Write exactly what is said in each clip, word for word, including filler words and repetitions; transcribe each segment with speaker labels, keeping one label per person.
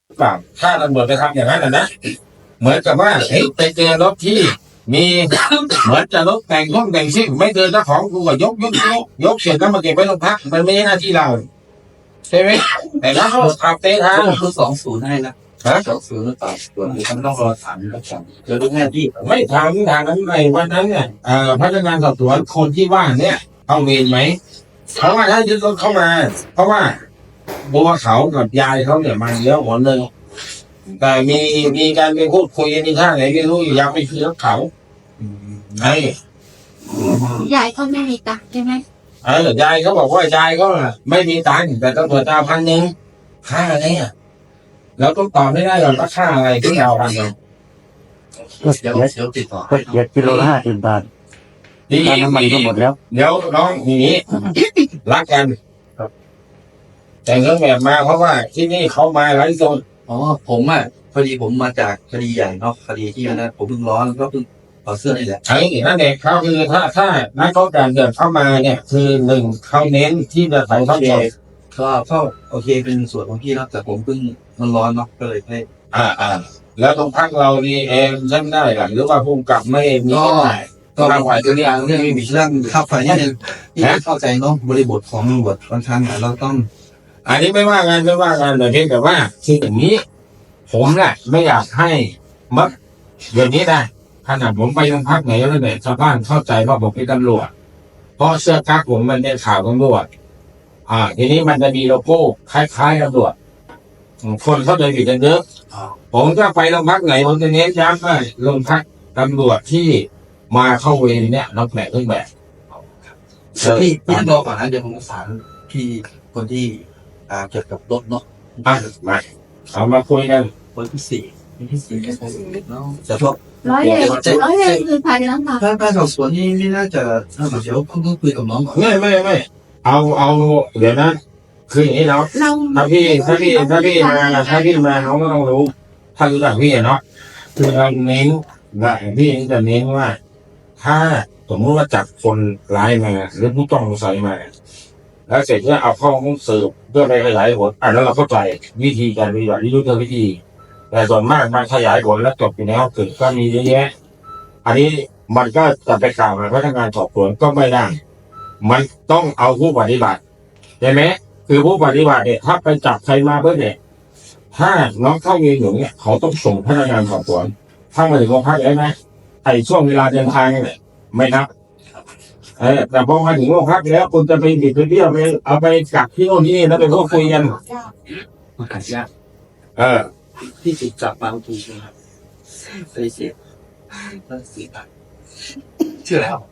Speaker 1: เปล่าถ้าตำรวจไปทำอย่างนั้นนะเหมือนกับว่าเฮ้ยไปเจอรถที่มีเหมือนจะรถแต่งห้องแต่งซิ่งไม่เจอเจ้าของกูก็ยกยกยกยกเสร็จแล้วมาเก็บไว้โรงพักมันไม่ใช่หน้าที่เราใช่ไหมแต่ถ้าเขาขับเตะทาง
Speaker 2: คือสองศูนย์ให้นะฮะสองศูนย์หรือเปล่าตัวนี้มันต้องรอถามกับฉันเดี๋ยวดูแง่ที่
Speaker 1: ไม่ทางทางนั้นไงวันนั้นเนี่ยเอ่อพนักงานสอบสวนคนที่ว่าเนี่ยเอาเวรไหมเพราะว่าถ้ายึดรถเข้ามา เพราะว่าบัวเขากับยายเขาเนี่ยมาเยอะหมดเลยแต่มีมีการไปพูดคุยกันในท่าไหนไม่รู้ยังไม่คือรถเขาไอ้
Speaker 3: ยายเขาไม่มีตังค์ใช่ไหม
Speaker 1: เออยายเขาบอกว่ายายก็ไม่มีตังค์แต่ต้องเปิดตาพันหนึ่งค่าอะไรอ่ะเราต้องตอบไม่ได้หรอกว่าค่าอะไรที่เราพันหนึ่ง
Speaker 4: ก็เสี
Speaker 2: เดี๋
Speaker 4: ย
Speaker 2: ยวเดี๋ยวติดต่อ
Speaker 4: ก็เสียกิโลละห้าสิบบาท
Speaker 1: ดี
Speaker 4: ค่าน้ำมันก็หมดแล้ว
Speaker 1: เดี๋ยวน้องอย่างนี้ รักกันแต่งเครื่องแบบมาเพราะว่าที่นี่เขามาไร้โซน
Speaker 2: อ๋อผมอ่ะพอดีผมมาจากคดีใหญ่เนาะคดีที่นั้นผมเพิ่งร้อนก็เพิ่งต่อเสื้อนี่แหละ
Speaker 1: ไอ้นั่นเองเขาคือถ้าถ้านักโทษการเกิดเข้ามาเนี่ย คือหนึ่งเขาเน้นที่จะถ่ายทอดสด
Speaker 2: ก็เข้าโอเคเป็นส่วนของพี่นะแต่ผมเพิ่งมันร้อนเนาะก็เลยให้
Speaker 1: อ่าอ่าแล้วตรงพักเรานี่เองใช่ไม่ได้หรือหรือว่าภูมิกับไม่มี
Speaker 2: ก็
Speaker 1: ก็ได้
Speaker 2: ก็บางฝ่ายตัวอย่างเรื่องไม่มีเรื่องค่าไฟนี่นึงที่เข้าใจเนาะบริบทของบทบางครั้งเราต้อง
Speaker 1: อันนี้ไม่ว่ากันไม่ว่ากันแต่เพียงแต่ว่าคืออย่างนี้ ผมแหละไม่อยากให้มักเดี๋ยวนี้ได้ขนาดผมไปโรงพักไหนแล้วเนี่ยชาวบ้านเข้าใจว่าผมเป็นตำรวจเพราะเสื้อกั๊กผมมันเป็นข่าวตำรวจอ่า ทีนี้มันจะมีโลโก้คล้ายๆตำรวจคนเข้าใจผิดกันเยอะผมก็ไปโรงพักไหนผมจะเน้นย้ำว่าโรงพักตำรวจที่มาเข้าเวรเนี่ยนักแบบเครื่องแบบ
Speaker 2: พี่พี่ต้องรอก่อนนะเดี๋ยวผมประสานพี่คนที่อ่าเกี่ยวกับรถเนาะ
Speaker 1: อ่ะมาเอามาคุยกัน
Speaker 2: วันที่สี่วันที่สี่เนาะแต่พวก
Speaker 3: ร้อยเอ็ดร้อยเอ็ดคือภายในน้ำตา
Speaker 2: ถ้าการสอบสวนนี่ไม่น่าจะถ้าเดี๋ยวเพิ่งต้องคุยกับน้องก่อน
Speaker 1: ไม่ไม่ไม่เอาเอาเดี๋ยวนะคืออย่างนี้เนาะ
Speaker 3: เรา
Speaker 1: ถ้าพี่ถ้าพี่ถ้าพี่มาถ้าพี่มาเขาก็ต้องรู้ ถ้ารู้จักพี่อะเนาะคือเราเน้นว่าพี่จะเน้นว่า ถ้าสมมติว่าจับคนร้ายมาหรือผู้ต้องสงสัยมา แล้วเสร็จแล้วเอาเข้าห้องสืบเพื่อไปขยายผลอ่ะแล้วเราเข้าใจวิธีการปฏิบัติที่รู้เธอวิธี แต่ส่วนมากมันขยายผลแล้วจบอยู่ในห้องสืบก็มีเยอะแยะ อันนี้มันก็จะไปกล่าวกับพนักงานสอบสวนก็ไม่ได้ มันต้องเอาผู้ปฏิบัติใช่ไหมคือผู้ปฏิบัติเนี่ยถ้าไปจับใครมาเพื่อเนี่ยถ้าน้องเข้าเรียนอยู่เนี่ยเขาต้องส่งพนักงานสอบสวนถ้ามาถึงโรงพักได้ไหมไอ้ช่วงเวลาเดินทางเนี่ยไม่นับเออแต่พอมาถึงโรงพักแล้วคุณจะไปบิดไปเบี้ยวไปเอาไปกักที่โน่นที่นี่แล้วไปพูดคุยกัน
Speaker 2: มันขัดยาก
Speaker 1: เออ
Speaker 2: ที่ถูกจับมาถูกนะครับไปเสียตั้งสี่พันชื่ออะไรครับ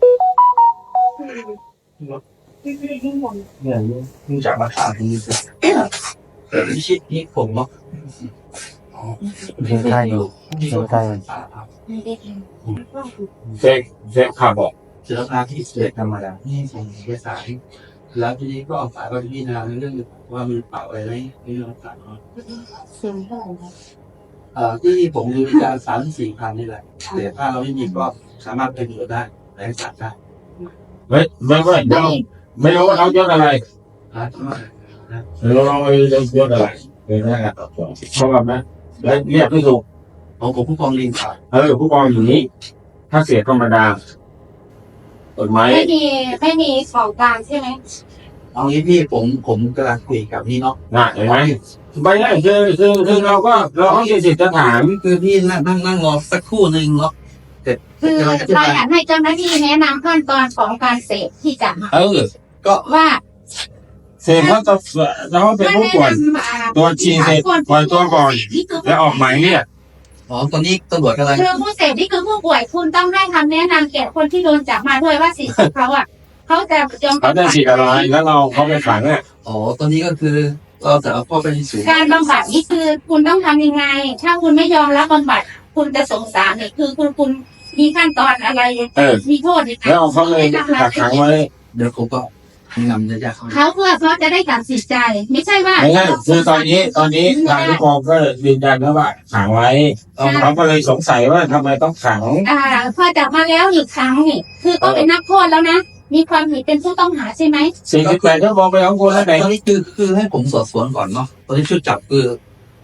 Speaker 2: เนี่ยมึงจับมาถามมึงสินี่ชิดนี่ผมเนาะ
Speaker 4: เพียงใช่อยู่เพียงใช่
Speaker 1: เซกเซกข่าวบอก
Speaker 2: เจออาที่เสียธรรมดานี่ส่งเอกสารแล้วทีนี้ก็เอาสายไปพิจารณาในเรื่องว่ามีเปล่าอะไรไหมในเรื่องต่างๆ
Speaker 3: เสียงเท่าไหร่นะ
Speaker 2: เอ่อที่ผมดูการสามสี่พันนี่แหละแต่ถ้าเราไม่มีก็สามารถไปดูได้แรงสัตว์ได้
Speaker 1: ไม่ไม่ไม่เราไม่รู้ว่าเขายศอะไร
Speaker 2: นะ
Speaker 1: ไม่รู้เราไม่รู้ยศอะไรเป็นพนักงานสอบสวนเพราะว่านะแล้วเรียกไม่ถูก
Speaker 2: ของผมผู้กองลิงค่ะ
Speaker 1: เออผู้กองอยู่นี้ ถ้าเสียธรรมดากฎหมาย
Speaker 3: ไม่มีไม่มีของกลางใช่ไหม
Speaker 2: เอางี้พี่ผมผมกำลังคุยกับนี่เนาะ
Speaker 1: น่ะเห็นไหมไม่ได้คือคือคือเราก็เราต้องมีสิทธิ์จะถาม
Speaker 2: คือพี่นั่งนั่งนั่งรอสักครู่หนึ่งเนาะแต่
Speaker 3: คือ
Speaker 2: กำลังจะ
Speaker 3: เรา
Speaker 2: ไป
Speaker 3: อยากให้เจ้าหน้าที่แนะนำขั้นตอนของการเสพที่จะ
Speaker 1: เออ
Speaker 3: ว่า
Speaker 1: เสพเขาจะเราเป็นผู้ป่วย ตัวจริงเสพปล่อยตัวก่อน แล้วออกหมายเรียก
Speaker 2: อ๋อตอนนี้ตำรวจกำลัง
Speaker 3: คือผู้เสพนี่คือผู้ป่วยคุณต้องให้คำแนะนำแก่คนที่โดนจับมาด้วยว่าสิทธิ์ของเขาอ่ะเขาจะยอม
Speaker 1: เขาจะฉีดอะไรแล้วเราเขาไปขังเนี่ย
Speaker 2: อ๋อตอนนี้ก็คือเราจะเอาเข้าไปในศูนย์
Speaker 3: การบำบัดนี่คือคุณต้องทำยังไง ถ้าคุณไม่ยอมรับบำบัดคุณจะสงสารเนี่ยคือคุณคุณมีขั้นตอนอะไร
Speaker 1: เออ
Speaker 3: มีโทษยังไง
Speaker 1: แล้วเอาเขาเลยกักขังไว้
Speaker 2: เดี๋ยวผมก็นำจะยากเข้า
Speaker 3: เขาเพื่อเขาจะได้ตัดสินใจ ไม่ใช่ว่า
Speaker 1: ไม่ใช่คือตอนนี้ตอนนี้ทางผู้กองก็ยืนยันแล้วว่าขังไว้เขาก็เลยสงสัยว่าทำไมต้องขัง
Speaker 3: อ่าพอจับมาแล้วหยุดครั้งนี่คือก็เป็นนักโทษแล้วนะมีความผิดเป็นผู้ต้องหาใช่ไหม
Speaker 1: สี่สิบแปดชั่วโมงไปของคนแล้วไหน
Speaker 2: ตอนนี้คือคือให้ผมสอบสวนก่อนเนาะตอนนี้ชุดจับคือ
Speaker 3: แ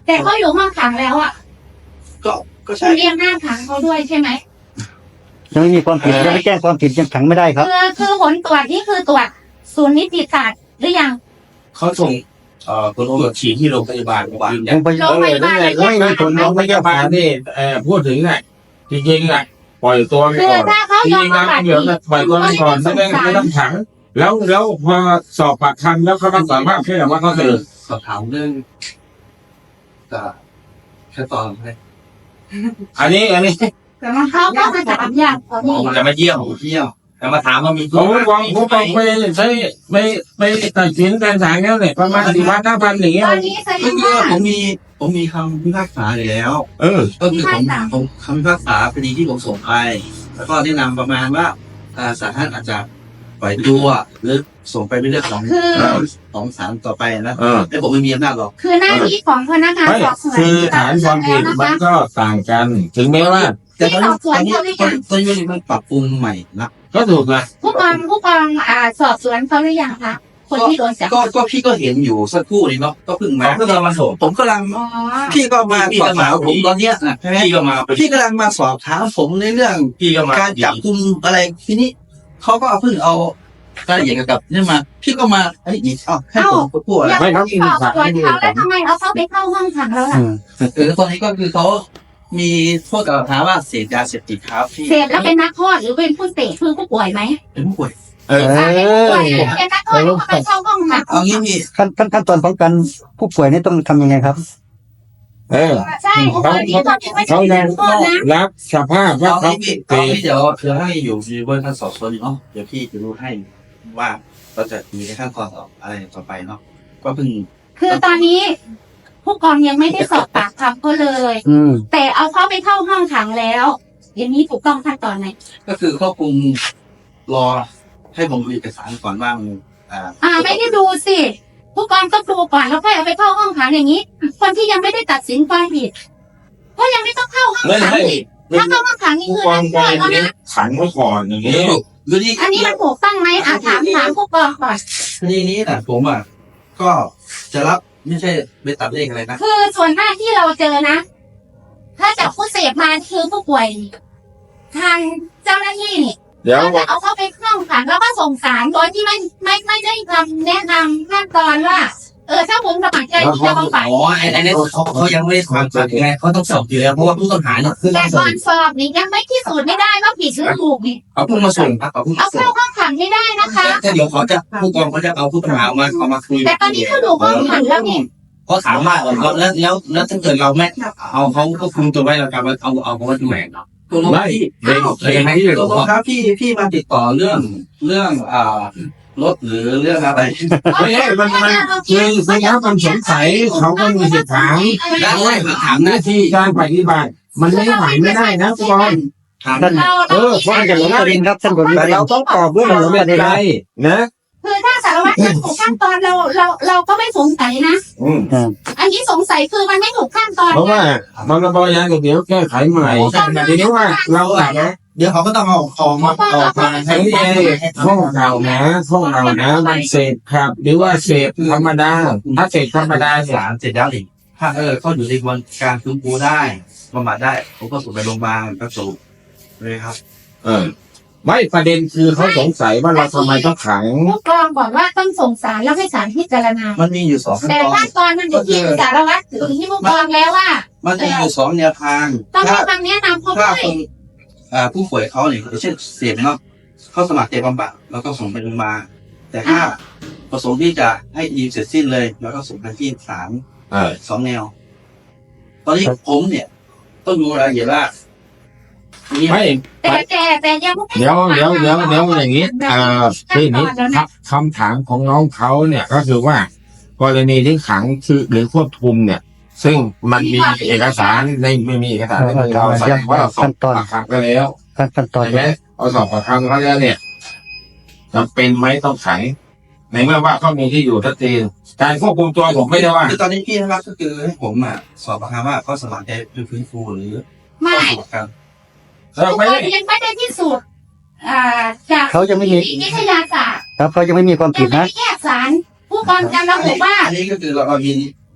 Speaker 3: แต่เขาอยู่ห้องขังแล้วอ่ะ
Speaker 2: ก็ก็
Speaker 3: คุ
Speaker 2: ใช่
Speaker 3: ณเรียกหน้าขังเขาด้วยใช่ไหม
Speaker 4: ยังไม่มีความผิดยังไม่แจ้งความผิดยังขังไม่ได้ครับ
Speaker 3: คือคือผลตรวจนี่คือตรวจศูนย์นิติศาสตร์หรือยัง
Speaker 2: เขาส่งเอ่อผลตรวจฉี่ที่โรงพยาบาลยืนยัน
Speaker 4: ยังไป
Speaker 3: โรงพยาบาล
Speaker 1: เออนั่นแหละก็ไม่มีผลน้องพยาบาลนี่เอ่อพูดถึงน่ะจริงๆอ่ะปล่อยตัวไป
Speaker 3: คือ
Speaker 1: ก่อน
Speaker 3: ถ้าเขา
Speaker 1: จ
Speaker 3: ยอ
Speaker 1: ริ
Speaker 3: ม
Speaker 1: งๆ
Speaker 3: รั
Speaker 1: แล้
Speaker 3: บ
Speaker 1: ว
Speaker 3: บัตร
Speaker 1: เดี๋ยวปล่อยตัวไปก่อนไม่ต้องไม่ต้องขังแล้วแล้วพอสอบปากคำแล้วเขาต้องสามารถเชื่อว่าเขาตื่น
Speaker 2: สอบถามเรื่องจะขั้นตอนไหม
Speaker 1: อันนี้อันนี้
Speaker 3: เขาก็มาถามอย่างเขา
Speaker 2: หมอ
Speaker 3: นี่
Speaker 2: มันจะมาเยี่ยมเยี่ยมแต่มาถามว่ามี
Speaker 1: ผมวางผมบอกไปใช้ไม่ไม่ตัดสินการศาลแล้วเนี่ยประมาณสี่พันห้าพันอย่างเงี้ย
Speaker 3: ตอนนี้แสด
Speaker 2: ก็
Speaker 3: ง
Speaker 2: คือ
Speaker 3: ว่า
Speaker 2: ผมมีผมมีคำพิพากษาอยู่แล้ว
Speaker 1: เออ
Speaker 2: ก็คือผมผมคำพิพากษาคดีที่ผมส่งไป แล้วก็แนะนำประมาณว่าอ่าศาลท่านอาจจะปล่อยตัวหรือส่งไปเป็นเรื่องของ
Speaker 3: คือ
Speaker 2: ของศาลต่อไปนะ
Speaker 1: เออ
Speaker 2: แต่ผมไม่มีอำนาจหรอก
Speaker 3: คือหน้าที่ของพนักงาน
Speaker 1: ไม่
Speaker 3: สอบสวน
Speaker 1: คือฐานความผิดมันก็ต่างกัน ถึงแม้ว่า
Speaker 2: แต่ตอนนี้ตอนนี้ตอนนี้มันปรับปรุงใหม่นะ
Speaker 1: ก็ถูกนะ
Speaker 3: ผู้กองผู้กองอ่าสอบสวนเขาหรือยังคะคนที่โดนจับ
Speaker 2: ก็ก็พี่ก็เห็นอยู่สักครู่นี้เนาะก็เพิ่งมาเพิ่งมาส่งผมกำลัง
Speaker 3: อ๋อ
Speaker 2: พี่ก็มาสอบถามผมตอนเนี้ยนะใช่ไหม
Speaker 5: พี่ก็มา
Speaker 2: พี่กำลังมาสอบถามผมในเรื่อง
Speaker 5: พี่ก็มา
Speaker 2: การจับกุมอะไรทีนี้เขาก็เพิ่งเอารายละเอียดเกี่ยวกับนี่มา พี่ก็มาไอ้อีกเอ้าให้ผมพูดอะไร
Speaker 3: ยังไม่สอบสวนเขาแล้วทำไมเอาเขาไปเข้าห้องขังแล้วล่ะ
Speaker 4: อืม
Speaker 2: เออตอนนี้ก็คือเขามีโทษกล่าวหาว่าเสพยาเสพติดครับพี่
Speaker 3: เสพแล้วเป็นนักโทษหรือเป็นผู้เสพคือผู้ป่วยไหม
Speaker 2: เป็นผู้ป่วย
Speaker 1: เออ
Speaker 3: ถ้าเป็นผู้ป่วยเป็นนักโทษเขาไปเข้าห้องขัง
Speaker 2: เอางี้พี่
Speaker 4: ขั้นขั้นขั้นตอนของการผู้ป่วยนี่ต้องทำยังไงครับ
Speaker 1: เออ
Speaker 3: ใช่ตอนนี้ตอนนี้ไม่ใช่
Speaker 1: เขายั
Speaker 3: นั
Speaker 1: ง
Speaker 3: กโทษนะ
Speaker 1: รับสภาพว่า
Speaker 2: เอา
Speaker 1: เขา
Speaker 2: งี้พี่
Speaker 1: เส
Speaker 2: เอา
Speaker 1: พ
Speaker 2: งี้เดี๋ยวเดี๋ยวให้อยู่ในเวอร์ชันสอบสวนอยู่เนาะเดี๋ยวพี่จะรู้ให้ว่าเราจะมีในขั้นตอนต่ออะไรต่อไปเนาะก็เพิ่ง
Speaker 3: คือตอนนี้ ผู้กองยังไม่ได้สอบปากคำเขาเลย
Speaker 4: อืม
Speaker 3: แต่เอาเขาไปเข้าห้องขังแล้วอย่างนี้ถูกต้องขั้นตอนไหน
Speaker 2: ก็คือควบคุมรอให้ผมดูเอกสารก่อนว่ามันอ่า
Speaker 3: อ่าไม่ได้ดูสิผู้กองต้องดูก่อนแล้วค่อยเอาไปเข้าห้องขังอย่างนี้ คนที่ยังไม่ได้ตัดสินความผิดก็ยังไม่ต้องเข้าห้อง
Speaker 1: ไม่
Speaker 3: ขัง
Speaker 1: ให้
Speaker 3: อีกถ้าเข้าห้องขังนี่
Speaker 1: ผู้
Speaker 3: คือก
Speaker 1: อง
Speaker 3: นัก
Speaker 1: ไป
Speaker 3: โทษแล้ว
Speaker 1: นี้
Speaker 3: นะ
Speaker 1: ขังไว้ก่อนอย่างนี้
Speaker 2: คือนี่
Speaker 3: อันนี้มันถูกต้องไหมอ่ะถามถามผู้กองก่อน
Speaker 2: คดีนี้นะผมอ่ะก็จะรับไม่ใช่ไปตัดเลขอะไรนะ
Speaker 3: คือส่วนมากที่เราเจอนะ ถ้าจับผู้เสพมาคือผู้ป่วย ทางเจ้าหน้าที่นี่
Speaker 1: เดี๋ยว
Speaker 3: ก็จะเอาเข้าไปห้องขังแล้วก็ส่งสารโดยที่ไม่ไม่ไม่ได้ทำแนะนำขั้นตอนว่า เออถ้าผมสมัครใจที่จะบำบัด
Speaker 5: อ๋อไอ้ไอ้นี่เขาเขายังไม่ได้ทำจัดยังไงเขาต้องสอบอยู่แล้วเพราะว่าผู้ต้องหาเนี่ยคือ
Speaker 3: แต่
Speaker 5: ต้องส
Speaker 3: ก่
Speaker 5: อ
Speaker 3: อบ นสอบนี่ยังไม่พิสูจน์ไม่ได้ว่าผิดหรือถูกนี่
Speaker 5: เอาผู้มาส่งครับเอาผู้
Speaker 3: เอา
Speaker 5: มาส่
Speaker 3: เข้าง ห้องขังไม่ได้นะคะ
Speaker 5: แต่เดี๋ยวเขาจะผู้กองเขาจะเอาผู้ต้องหามาเอามาคุย
Speaker 3: แต่ตอนนี้เขาดูห้องขังแล้วนี่
Speaker 5: เขาถามว่าแล้วแล้วแล้วแล้วถ้าเกิดเราไม่เอาเขาก็คุมตัวไว้เราจะมาเอาเอาเขาไว้ที่ไหนเนาะ
Speaker 2: ตัวน้อง
Speaker 1: ไม่
Speaker 2: พี่
Speaker 1: เด็กเด็กที่
Speaker 2: ตัวน้องครับพี่พี่มาติดต่อเรื่องเรื่องอ่ารถหรือเรื่องอะไร
Speaker 1: ไม่ใช่มันมันคือคือถ้ามันสงสัยเขาก็มีสิทธิ์ถาม
Speaker 5: แล้วไม่ถาม
Speaker 1: หน้าที่การปฏิบัติมันไม่ไหวไม่ได้นะผู้กอง
Speaker 5: ถาม
Speaker 4: ท่าน
Speaker 3: เรา
Speaker 1: เออเพราะมันจะหลงประเด็น
Speaker 4: ครับท่านกฎหมาย
Speaker 1: เราต้องตอบด้วยมันหลงประเด็นไรนะ
Speaker 3: คือถ้าสารวัตรไม่ถูกขั้นตอนเราเราเราก็ไม่สงสัยนะ
Speaker 1: อืม
Speaker 3: อันนี้สงสัยคือมันไม่ถูกขั้นตอน
Speaker 1: เพราะว่ามันระบายาเดี๋ยวแก้ไขใหม่ทีนี้ว่าเราอะนะ
Speaker 5: เดี๋ยวเขาก็ต้องเอาของมาออกมา
Speaker 1: ทั้งเอข้อเก่านะข้อเก่านะมันเสพครับ หรือว่าเสพธรรมดา ถ้าเสพธรรมดาเนี่ย
Speaker 2: สารเสร็จแล้วนี่ถ้าเออเขาอยู่ในกระบวนการฟื้นฟูได้บำบัดได้ผมก็ส่งไปโรงพยาบาลก็ส่งเลยครับ
Speaker 1: เออ ไม่ประเด็นคือเขาสงสัยว่าเราทำไมต้องขัง
Speaker 3: ผู้กองบอกว่าต้องส่งสารแล้วให้สารพิจารณา
Speaker 2: มันมีอยู่สองขั้น
Speaker 3: แต่
Speaker 2: ตอน
Speaker 3: ขั้นตอนมันอยู่ที่สารวัตรหรือที่ผู้กองแล้วว่า
Speaker 2: มันมีอยู่สองแนวทาง
Speaker 3: ต้องให้
Speaker 2: ถ้า
Speaker 3: คำแนะนำเขา
Speaker 2: ถ้า
Speaker 3: ด้วย
Speaker 2: คนอ่าผู้ป่วยเขาเนี่ยอย่างเช่นเสพเนาะเขาสมัครใจบำบัดแล้วก็ส่งไปโรงพยาบาลแต่ถ้าประสงค์ที่จะให้ดีเสร็จสิ้นเลย แล้วก็ส่งไปที่ศาล
Speaker 1: เออ
Speaker 2: สองแนว ตอนนี้ผมเนี่ย ต้องดูรายละเอียดว่านี่
Speaker 1: ไม่
Speaker 3: แต่แต่แต่ยังไม่
Speaker 1: เดี๋ยวเดี๋ยวเดี๋ยวเดี๋ยวอย่างนี้เอ่อที่นี้คำถามของน้องเขาเนี่ยก็คือว่า กรณีที่ขังคือหรือควบคุมเนี่ย ซึ่งมันมีเอกสารในไม่มีเอกสารในมือเราแสดงว่าเราสอบปากคำไปแล้ว
Speaker 4: ขั้นขั้นตอน
Speaker 1: ใช่ไหมเอาสอบปากคำเขาแล้วเนี่ยจำเป็นไหมต้องขังในเมื่อว่าเขามีที่อยู่ชัดเจนการควบคุมตัวผมไม่ได้ว่า
Speaker 2: คือตอนนี้พี่นะครับก็คือให้ผมอ่ะสอบประคำว่าเขาสมัครใจฟื้นฟูหรือ
Speaker 3: ไม่
Speaker 2: เข้าสู่การ
Speaker 1: เรา
Speaker 3: ผู้ก
Speaker 1: ไม่
Speaker 3: อ
Speaker 1: ได้
Speaker 3: งยังไม่ได้พิสูจน์อ่าจาก
Speaker 4: เขายังไม่มี
Speaker 3: วิทยาศาสตร์
Speaker 4: ครับเขายังไม่มีความ
Speaker 3: ยั
Speaker 4: ผิ
Speaker 3: ง
Speaker 4: ด
Speaker 3: ไม่
Speaker 4: นะ
Speaker 3: ได้แยกสารผู้กองจะระบุว่า
Speaker 2: อันนี้ก็คือเราเรามี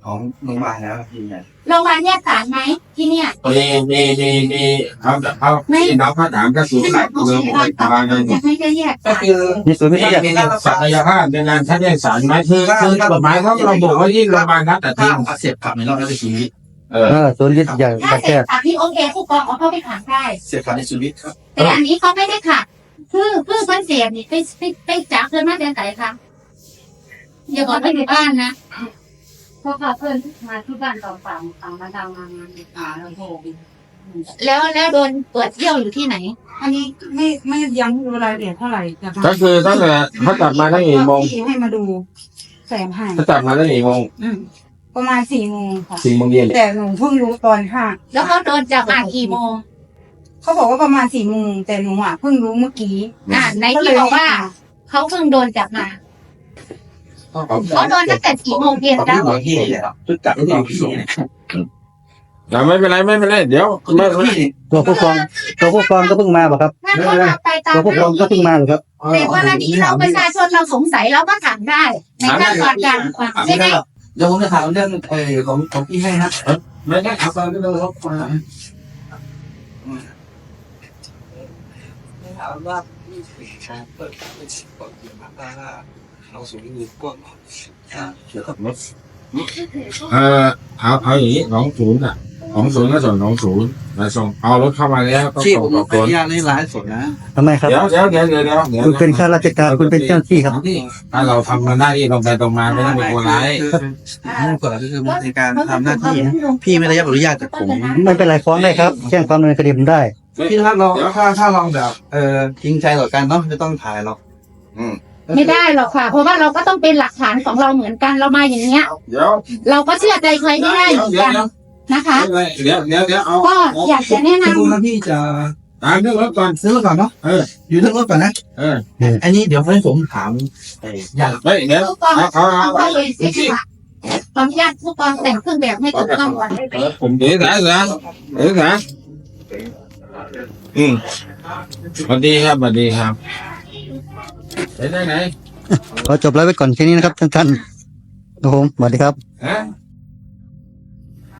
Speaker 2: ของโรงพยาบาลแล้วยืนยัน
Speaker 3: โรงพยาบาลแยกสารไหมที่เนี่ย
Speaker 1: มีมีมีมีเอาเอาที่เราเขาถามก็คือหลักเมืองของทางการ
Speaker 3: จะให้ได้แยก
Speaker 2: ก็
Speaker 3: สาร
Speaker 2: คือ
Speaker 4: มีศูนย์วิทยา
Speaker 2: มีการรัก
Speaker 1: ศั
Speaker 2: ษาก
Speaker 1: ยภาพในงานชั้นแยกสารไหมคือคือกฎหมายเขาเราบอกว่ายิ่งโรงพยาบาลนัดแต่
Speaker 2: ถ้า
Speaker 1: ที่
Speaker 2: อักเสบขับในรอบแล้วจะชีวิต
Speaker 1: เออ
Speaker 4: เออศูนย์วิทยา
Speaker 3: ถ้า
Speaker 4: การ
Speaker 3: เส
Speaker 4: แพ
Speaker 3: ร็จ
Speaker 4: ทย์
Speaker 3: จากที่โอเคผู้กองเอาเข้าไปขังได้
Speaker 2: เสียบขับในชีวิตครับ
Speaker 3: แต่อันนี้เขาไม่ได้ขังคือคือเพิ่นเสียบนี่ไปไปไปจับเพิ่นมาแต่ไหนคะอย่าบอกว่าอยู่บ้านนะเพราะว่าเพิ่นมาที่บ้านตอนฝั่งฝั่งมาดาวมางานอ่าแล้วโทรแล้วแล้วโดนตรวจเยี่ยวอยู่ที่ไหน
Speaker 6: อันนี้ไม่ไม่ยังไม่รู้รายละเอียดเท่าไหร่แต่
Speaker 1: ก็คือตั้งแต่เขาจับมาตั้งกี่โมง
Speaker 6: ที่ให้มาดูแสงให้
Speaker 1: เขาจับมาตั้งกี่โมง
Speaker 6: อืมประมาณสี่โมงค่ะ
Speaker 1: สี่โมงเย็น
Speaker 6: แต่หนูเพิ่งรู้ตอนค่ะ
Speaker 3: แล้วเขาโดนจับมากี่โมง
Speaker 6: เขาบอกว่าประมาณสี่โมงแต่หนูอ่ะเพิ่งรู้เมื่อกี้
Speaker 3: อ่าในที่บอกว่าเขาเพิ่งโดนจับมาเขาโดนตั้งแต่กี่โมงเย็น
Speaker 2: ตอน
Speaker 3: แล้
Speaker 2: ที่
Speaker 3: ว
Speaker 2: หมอที่เนี่ยชุดจับที่หมอที่เนี่ย
Speaker 1: แต่ไม่เป็นไรไม่เป็นไรเดี๋ยว
Speaker 2: คุณ
Speaker 1: ไม่
Speaker 2: พี่
Speaker 4: ตัวผู้กองตัวผู้กองก็เพิ่งมาบอกครับ
Speaker 3: ถ้าเขาทำไปตาม
Speaker 4: ตัวผู้กองก็เพิ่งมาเหรอครับ
Speaker 3: ในกรณีเราประชาชนเราสงสัยเราก็ถามได้ ในขั้นตอนการความ
Speaker 2: ไม่
Speaker 3: ใช่ไหม
Speaker 2: ได้หรอกเดี๋ยวผมจะถามเรื่องเออของของพี่ให้นะ
Speaker 1: ไม่ได้เอาไปไม่ต้องรบกวน
Speaker 2: ถามว่าพี่เปิดเป็นสิบกว่าเดือนมาได้เราสูงเงินกว้างเกี่ยวกับรถ
Speaker 1: เออเอาเอาอย่างนี้ของศูนย์อ่ะของศูนย์ก็ส่วนของศูนย์มาส่งเอารถเข้ามาแล้วก็
Speaker 2: ที่
Speaker 1: ส่
Speaker 2: ผ
Speaker 1: ง
Speaker 2: ม
Speaker 1: ต่อ
Speaker 2: ข
Speaker 1: ค
Speaker 2: ออน นุญาตในร้านสดนะ
Speaker 4: ทำไมครับ
Speaker 1: เดี๋ยวเดี๋ยวเดี๋ยวเดี๋ยวเดี๋ยวเดี๋ยว
Speaker 4: คุณเป็นข้าราชการคุณเป็นเจ้าหน้าที่ครับ
Speaker 1: ถ้าเราทำมันได้ที่ตรงไปตรงมาไม่ต้องเป็นคนร้าย
Speaker 2: คือคือก่อนก็คือในการทำหน้าที่พี่ไม่ได้รับอนุญาตจากผม
Speaker 4: ไม่เป็นไรฟ้องได้ครับแจ้งความดำเนินคดีผมได้
Speaker 2: พี่ถ้าเราถ้าถ้าลองแบบเออจริงใจต่อกันเนาะไม่ต้องถ่ายหรอก
Speaker 1: อืม
Speaker 3: ไม่ได้หรอกค่ะ เพราะว่าเราก็ต้องเป็นหลักฐานของเราเหมือนกันเรามาอย่างเงี้ย
Speaker 1: เดี๋ยว
Speaker 3: เราก็เชื่อใจใครไม่ได้เหมือน
Speaker 1: เดี๋ยว
Speaker 3: กัน
Speaker 1: เดี๋ยว
Speaker 3: นะคะ
Speaker 1: เดี๋ยวเดี๋ยวเดี๋ยวเอา
Speaker 3: ก็อยากจะแนะน
Speaker 2: คุณพี่จะ
Speaker 1: ตามเรื่องรถก่อน
Speaker 2: ซื้อรถก่อนเนาะ
Speaker 1: เออ
Speaker 2: อยู่เรื่องรถก่อนนะ
Speaker 1: เออ
Speaker 2: อันนี้เดี๋ยวให้ผมถามอยาก
Speaker 1: เฮ้ยเดี๋ยว
Speaker 3: ำผู้กอง
Speaker 1: เอาเอา
Speaker 3: เอา
Speaker 1: เอา
Speaker 3: เข้าไปเสียค่ะขออนุญาตผู้กองแต่งเครื่องแบบให้ถูกต้องก่อนได้ไหม
Speaker 1: ผมเดี๋ยวสายสายเดี๋ยวสายอืมสวัสดีครับสวัสดีครับไปไหนไหน
Speaker 4: ขอจบไลฟ์ไว้ก่อนแค่นี้นะครับท่านๆครับผมสวัสดีครับ
Speaker 1: ฮะ